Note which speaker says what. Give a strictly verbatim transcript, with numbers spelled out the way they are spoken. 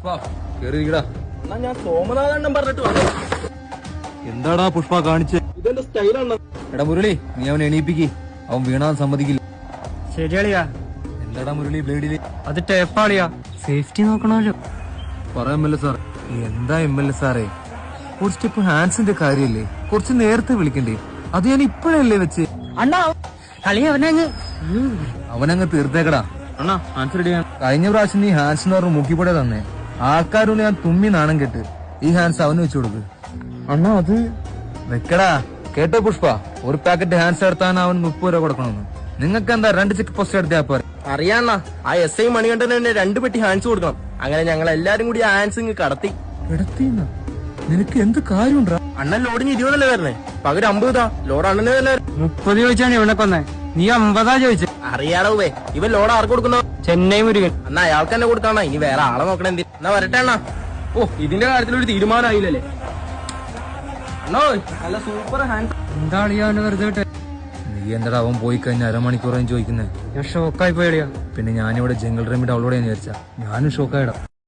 Speaker 1: പുഷ്പ കേറിയിരിക്കടാ.
Speaker 2: എന്നാ ഞാൻ സോമനാഥണ്ണം പറഞ്ഞിട്ട് വന്നു.
Speaker 1: എന്താടാ പുഷ്പ കാണിച്ച്?
Speaker 2: ഇതെന്റെ സ്റ്റൈലാണ്.
Speaker 1: എടാ മുരളി, നീ അവനെ എണീപ്പിക്ക്. അവൻ വീണാൻ സമ്മതിക്കില്ല.
Speaker 3: ശരിയാളിയാ.
Speaker 1: എന്താടാ മുരളി ബ്ലേഡില്?
Speaker 3: അത് ടേപ്പാളിയാ, സേഫ്റ്റി നോക്കണമല്ലോ.
Speaker 1: പറയാൻ എം എൽ എ സാർ. എന്താ എം എൽ എ സാറേ, ഒരു സ്റ്റെപ്പ് ഹാൻഡ്സിന്റെ കാര്യല്ലേ, കുറച്ച് നേരത്തെ വിളിക്കണ്ടേ? അത് ഞാൻ ഇപ്പഴല്ലേ വെച്ച്.
Speaker 3: അണ്ണാ കളി അവനങ്ങ്
Speaker 1: അവനങ്ങ് തീർത്തേക്കടാ.
Speaker 3: അണ്ണാ ആൻസർ ചെയ്യാൻ
Speaker 1: കഴിഞ്ഞ പ്രാവശ്യം നീ ഹാൻഡ്സ് എന്ന് പറഞ്ഞ് മുക്കിപ്പൊടെ തന്നെ ആൾക്കാരോട് ഞാൻ തുമ്മി നാണം കെട്ട്. ഈ ഹാൻഡ്സ് അവന് വെച്ചു കൊടുക്ക്.
Speaker 3: അണ്ണാ അത്
Speaker 1: വെക്കടാ. കേട്ടോ പുഷ്പ, ഒരു പാക്കറ്റ് ഹാൻഡ്സ് എടുത്താൻ അവൻ മുപ്പത് രൂപ കൊടുക്കണമെന്ന്. നിങ്ങൾക്ക് എന്താ രണ്ട് ചെക്ക് പോസ്റ്റ് എടുത്താ പോരെ?
Speaker 2: അറിയാണ്ണ, ആ എസ് ഐ മണികണ്ഠന് തന്നെ രണ്ട് പെട്ടി ഹാൻഡ്സ് കൊടുക്കണം. അങ്ങനെ ഞങ്ങൾ എല്ലാരും കൂടി ആ ഹാൻഡ്സ് ഇങ്ങ് കടത്തി.
Speaker 1: കിടത്തിന്ന നിനക്ക് എന്ത് കാര്യമുണ്ടാ?
Speaker 2: അണ്ണൻ ലോഡിന് ഇരുപതല്ലേ വരണേ, പകരം അമ്പതാ. ലോഡ് അണ്ണന് തന്നെ
Speaker 3: മുപ്പത് ചോദിച്ചാണ് ഇവനെ കൊന്നേ, നീ അമ്പതാ ചോദിച്ചേ.
Speaker 2: അറിയാടവേ, ഇവൻ ലോഡ് ആർക്ക് കൊടുക്കുന്ന?
Speaker 3: ചെന്നൈ മുരുകൻ.
Speaker 2: എന്നാ അയാൾക്ക് തന്നെ കൊടുക്കാണ, ഇനി വേറെ ആളെ നോക്കണ എന്തി? എന്നാ വരട്ടെ അണ്ണാ. ഓ, ഇതിന്റെ കാര്യത്തിൽ ഒരു തീരുമാനമായില്ലല്ലേ അണ്ണോ? നല്ല സൂപ്പർ ഹാൻഡ്.
Speaker 3: എന്താ അളിയാ അവന്റെ വെറുതെ വിട്ടെ?
Speaker 1: നീ എന്താ അവൻ പോയി കഴിഞ്ഞ അരമണിക്കൂറായി ചോദിക്കുന്നേ?
Speaker 3: ഞാൻ ഷോക്കായി പോയടിയാ.
Speaker 1: പിന്നെ ഞാനിവിടെ ജംഗിൾ റെമിഡ് അവളോടെ ഞാൻ വിചാരിച്ച ഞാനും ഷോക്കായിടാം.